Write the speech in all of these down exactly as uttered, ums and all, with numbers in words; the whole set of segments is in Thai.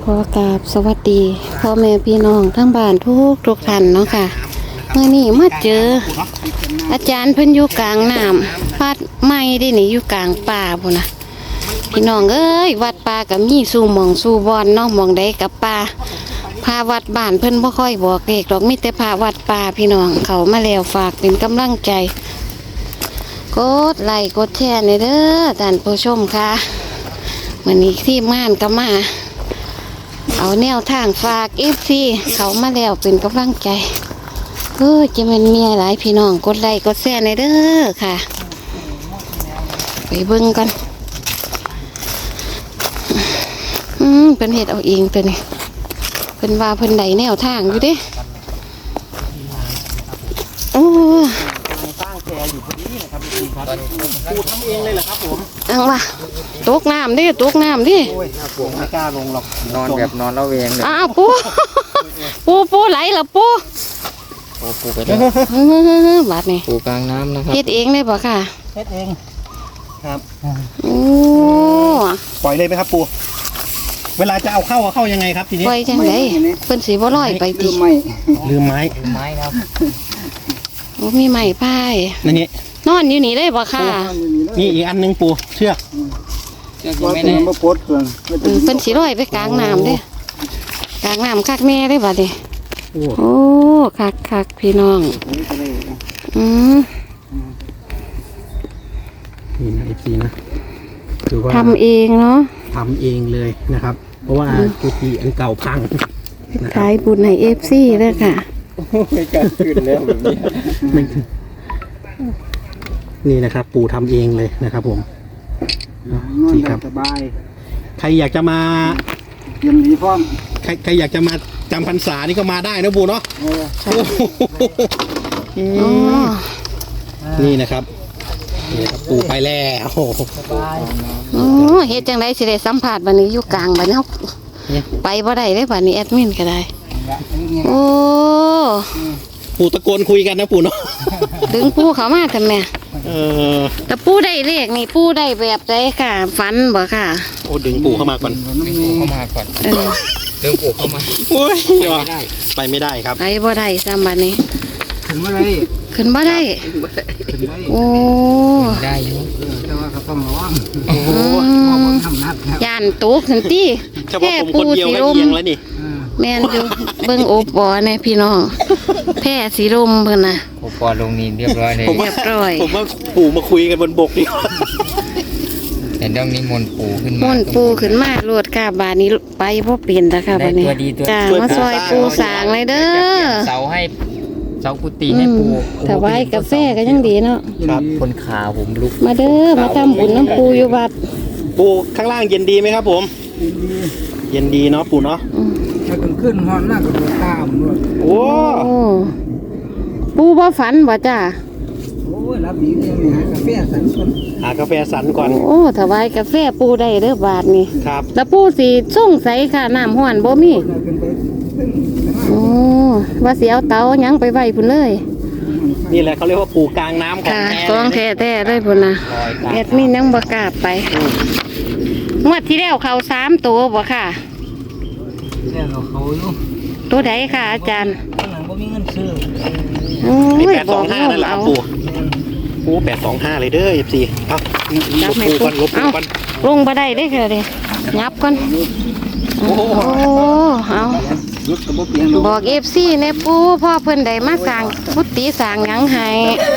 ขอกราบสวัสดีพ่อแม่พี่น้องทั้งบ้านทุกทุกท่านเนาะค่ะเมื่อนี้มาเจออาจารย์เพิ่นอยู่กลางน้ำวัดไม่ได้หนีอยู่กลางป่าพุ่นนะพี่น้องเอ้ยวัดป่ากับมีสู่หมองสู่บอนเนาะหมองใดกับป่าพาวัดบ้านเพิ่นบ่ค่อยบอกเด็กหรอกมีแต่พาวัดป่าพี่น้องเขามาแล้วฝากเป็นกำลังใจกดไลค์กดแชร์ในเด้อท่านผู้ชมค่ะวันนี้ที่ม่านก็มาเอาแนวทางฝากเอฟซีเขามาแล้วเป็นกำลังใจเออจะเป็นเมียหลายพี่น้องกดไลค์กดแชร์ในเด้อค่ะไปเบิ่งกันอืมเป็นเหตุเอาเองตัวนี้เป็นว่าเพิ่นใดแนวทางอยู่เด้โอ้สร้างแพอยู่พอดีนะครับพี่ครับปูทำเองเลยเหรอครับผมอังว่ะตกน้ำดิตกน้ำดิโอ้ยผมไม่กล้าลงหรอกนอนแบบนอนละเวงเลยอ้าวปูปูปูไหลเหรอปูโอ้ปูไปแล้วบาดนี่ปูกลางน้ำนะครับเฮ็ดเองได้ป่ะค่ะเฮ็ดเองครับโอ้ปล่อยเลยไหมครับปูเวลาจะเอาเข้าเอาเข้ายังไงครับทีนี้ปล่อยจังไดเพิ่นสิบ่ลอยไปติลืมไม้ลืมไม้ลืมไม้ครับโอ้มีไม้พายนี่นอนอยู่นี่ได้ป่ะค่ะนี่อีกอันนึงปูเชือกเชือกยังไม่ได้มาปลดเครื่องเพิ่นสิลอยไปกลางน้ำเด้กลางน้ำคักแม่ได้ป่ะดิโอ้คักคักพี่น้องอืมนี่นะไอพีนะคือว่าทำเองเนาะทำเองเลยนะครับเพราะว่ากุฏิอันเก่าพังขายบุญในเอฟซีเลยค่ะไม่กล้าขึ้นแล้วแบบนี้นี่นะครับปู่ทำเองเลยนะครับผมนี่ครับสบายใครอยากจะมาเยี่ยมดีพร้อมใครใครอยากจะมาจำพรรษานี่ก็มาได้นะปู่เนาะนี่นะครับนี่ครับปู่ไปแล้วสบายโอ้เฮ็ดจังไดสิได้สัมผัสบัดนี้อยู่กลางบัดนี้ไปบ่ได้เลยบัดนี้แอดมินก็ได้โอ้ปู่ตะโกนคุยกันนะปู่เนาะดึงปู่เขามากันแม่เออแต่ปู่ได้เลขนี่ปู่ได้แบบใดค่ะฝันบ่ค่ะโอ้ดึงปู่เข้ามาก่อนดึงปู่เข้ามาก่อนเออดึงปู่เข้ามาโอ้ยไปไม่ได้ครับไปบ่ได้ซ้ำบัดนี้ขึ้นบ่ได้ขึ้นบ่ได้โอ้ได้อยู่แต่ว่าก็ต้องระวังโอ้ย่านตกทันทีแค่ปูสีลมแล้วนี่แม่นอยู่เบิ่งโอปอเนี่ยพี่น้องแพร่สีลมเพิ่นน่ะโอปอลงนี่เรียบร้อยเลยเรียบร้อยผมว่าปู่มาคุยกันบนบกดีกว่าแต่ต้องนิมนต์ปู่ขึ้นมามนต์ปู่ขึ้นมาโลดค่ะบาดนี้ไปบ่เปลี่ยนแล้วค่ะบัดนี้จ้ามาซอยปู่สร้างเลยเด้อเสาให้เสากุฏิให้ปู่ถวายกาแฟก็ยังดีเนาะครับคนขาผมลุกมาเด้อมาทำบุญน้ำปู่อยู่วัดปู่ข้างล่างเย็นดีไหมครับผมเย็นดีเนาะปู่เนาะถ้าขึ้นหอนหน้าก็ดูตามด้วยโอ้ปู่บ่ฝันบ่จ้าโอ้ยรับดีเนี่ยหากาแฟสันก่อนหากาแฟสันก่อนโอ้ถวายกาแฟปู่ได้เด้อบาทนี่ครับแล้วปู่สิส่งใสค่ะน้ำห้อนบ่มีโอ้ว่าสิเอาเตาหยังไปไว้พุ่นเลยนี่แหละเขาเรียกว่าปู่กลางน้ำของแท้ของแท้แท้เลยพุ่นนะแอดมินยังบ่กล้าไปงวดที่แล้วเขาสามตัวบ่ค่ะแล้วเขาอยู่ตัวใดค่ะอาจารย์ข้างหลังบ่มีเงินซื้อโอ้ยแปดสองห้านั่นแหละปู่โอ้แปดสองห้าเลยเด้อเอฟซีเอาลบปูก่อนลบปูก่อนลงบ่ได้เด้อค่ะเด้ยับก่อนโอ้เอาบอกเอฟซีในปูพ่อเพิ่นได้มาสั่งพุทธิสั่งยังให้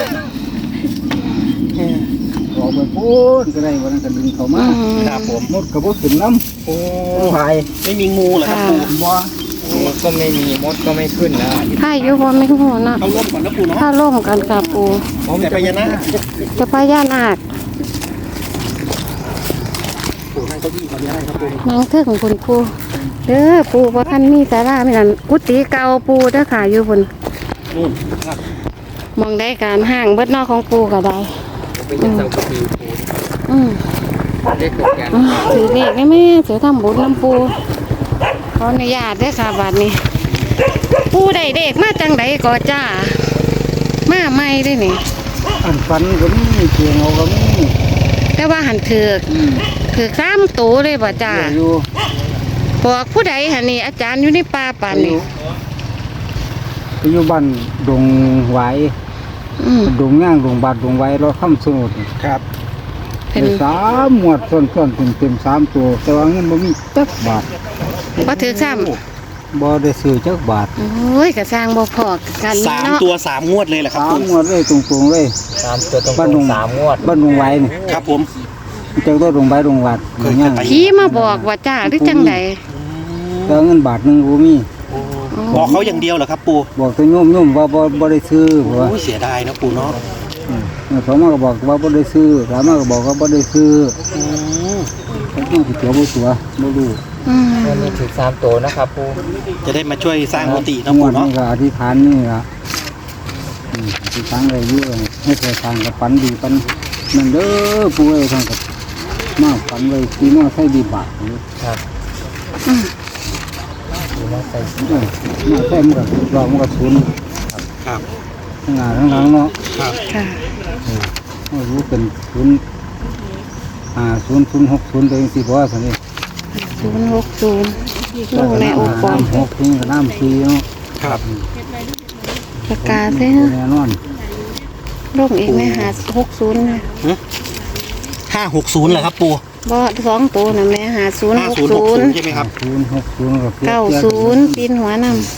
บอกไปพูดก็ได้วันนั้นก็ดึงเขามาครับผมมดกระบอกถึงน้ำโอ้หายไม่มีงูเหรอครับปูว่ามดก็ไม่มีมดก็ไม่ขึ้นนะถ้าอยู่บ่ไม่งูเนาะเอาล่มก่อนนะปูเนาะถ้าล่มกันค่ะปูผมจะไปยานาจะไปยานาคปูนั่งเก้าอี้ก่อนได้ครับปูนั่งเถิงคุณปูเด้อปูว่าท่านมีสาราไม่นั่นกุฏิเก่าปูเด้อค่ะอยู่บนมองได้การห่างเบิดนอกของปูก็ได้เป็นเสากุฏิปูอืมเล็กกันถือเด็กได้ไหมถือทำบุญน้ำปูขออนุญาตด้วยค่ะบัดนี้ปูได้เด็กมาจังไดก่อจ้ามาไม่ได้นี่อันฟันก็มีเกียงเอาก็มีแต่ว่าหันถือถือข้ามตูเลยบ่จ้าบอกผู้ใดหะนี่อาจารย์อยู่ในป่าป่านนี่ไปอยู่บ้านดงไหวอืมดงย่างดงบาดดงไหวเราค้ำสมุดครับเป็นได้สามหมวดส่วนๆเต็มเต็มๆสามตัวแต่ว่าเงินบ่มีจักบาทบ่ถือซ้บ่ได้ซื้อจักบาทำโอ้ยก็สร้างบ่พอกันสามเนาะตัวสามงวดเลยเหรอครับสามปู่หมวดเลยตรงๆเลยสามตัวตรงบ้านดงๆสามงวดบ้านดงไหวนี่ครับผมจักตัวดงไหวดงบาดดงย่างผีมาบอกว่าจ้าหรือจังใดแต่เงินบาทหนึงบ่มีบอกเขาอย่างเดียวเหรอครับปู่บอกแต่โยมๆว่าบ่บ่ได้ซื้อเพราะว่าโอ้ยเสียดายนะปู่เนาะอืมสองมาก็บอกว่าบ่ได้ซื้อสามมาก็บอกว่าบ่ได้ซื้ออืมเขาต้องสิตัวบ่ตัวบ่รู้อืมวันนี้ถือสามตัวนะครับปูจะได้มาช่วยสร้างกุฏินะงปู่วดเนาะนี้ก็อธิษฐานนี่ล่ะอืมอธิษฐานได้อยู่ให้เคยทางกับฝันดีปันนั่นเด้อปู่เอ้ยทางกับมาฝันไว้ที่มาใส่ดีบาทนี่ครับอืมดูว่าใส่เออมาใส่มันก็รอมันก็ศูนย์ครับทั้งหน้าทั้งหลังเนาะครับค่ะไม่รู้เป็นศูนย์อ่าศูนย์ศูนย์หกศูนย์ตัวเองสิบ่ว่าซั่นนี่ศูนย์หกศูนย์ลูกในโอปอมน้ำหกนี่ก็น้ำสี่เนาะครับประกาศเลยแน่นอนลูกอีกไหมหาหกศูนย์นะห้าหกศูนย์เหรอครับปู่บ่สองตัวนะแม่หาศูนย์ห้าหกศูนย์หกศูนศูย์นย์ใช่ไหมครับศูนย์หกศูนย์กับเก้าศูนย์ปีนหัวน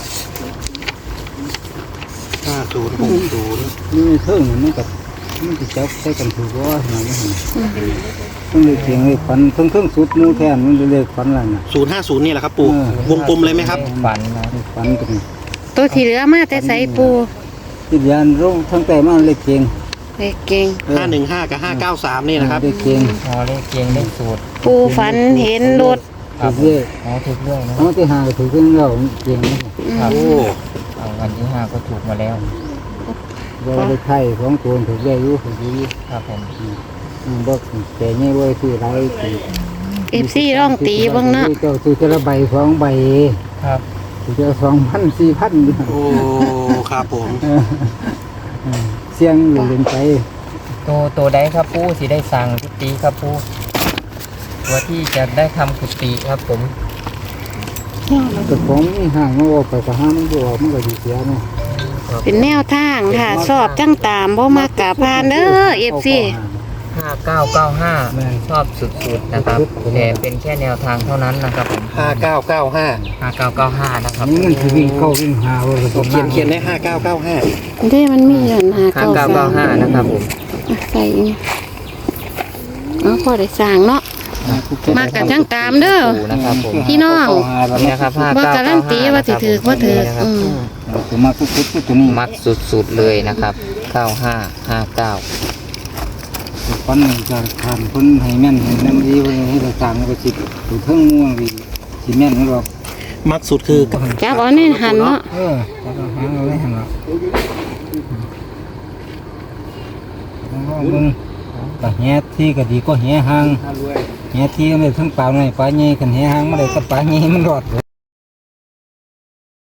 ห้าศูนย์หกศูนย์นี่เพิ่งมันกับมันจะจับใส่กันถูกว่าหน่อยนี่มันเลยเสียงเลยฝันเพิ่งเพิ่งสุดมูแทนมันเลยเลยฝันอะไรน่ะศูนย์ห้าศูนย์นี่แหละครับปู่เออวงกลมเลยไหมครับฝันนะฝันกันำตัวที่เหลือมาแต่ใส่ปูที่ยานร่งทั้งแต่มาเลยเก่งเด็กเก่งห้าหนึ่งห้ากับห้าเก้าสามนี่นะครับเลยเก่งพอเลขเกียงเลขสูตรปูฝันเห็นรถถูกเรื่อยอ๋อถูกเรื่องนะเขาที่หาถูกเรื่องเราเก่งครับโอ้เอาวันที่ห้าก็ถูกมาแล้วเราได้ไข่ของตัวถูกเรื่อยอยู่ถูกอยู่ครับผมอืมบอกแต่เนี่ยว่าคือไรคือเอฟซีร้องตีเบ้างเนาะเจ้าซื้อแต่ละใบสองใบครับซื้อแต่สองพันสี่พันโอ้ครับผมเสียงอยู่เล่นไปตัวตัวใดครับปูสิได้สั่งกุฏิครับปูตัวที่จะได้ทำกุฏิครับผมแต่ของนี่ห่างมันออกไปก็ห้ามันบออกมันก็ดีเสียเนาะเป็นแนวทางค่ะสอบจังตามบ่มากกะพานเด้อเอฟซีห้าเก้าเก้าห้าชอบสุดๆนะครับแต่เป็นแค่แนวทางเท่านั้นนะครับผมห้าเก้าเก้าห้าห้าเก้าเก้าห้านะครับนี่มันคือวิ่งเข้าวิ่งหาว่าจะเขียนเขียนได้ห้าเก้าเก้าห้าเด้มันมีอย่างหาห้าเก้าเก้าสาเก้าม ห้านะครับผมอ่ะใส่อีกเอาพอได้สร้างเนาะ มากกันจังตามเด้อนะครับผมพี่น้องนี่นะครับห้าบ่เก้าการัเก้านตีห้าว่าสิถือว่าถืออืมตัวมาคุดๆตัวนี้มัดสุดๆเลยนะครับเก้าห้าห้าเก้าฟันหนึ่งจะทานคนให้แม่นให้แม่นดีว่าให้เราสั่งก็สิตัวเทิงม่วงดีสิแม่นหรอกมักสุดคือจับเอาในหันเนาะเออแล้วก็หางเอาไว้หั่นล่ะมึงก็แห่ที่ก็ดีก็แห่หางแห่ที่มันได้ทั้งปลาในปลาใหญ่กันแห่หางมันได้กับปลาใหญ่มันรอดเลย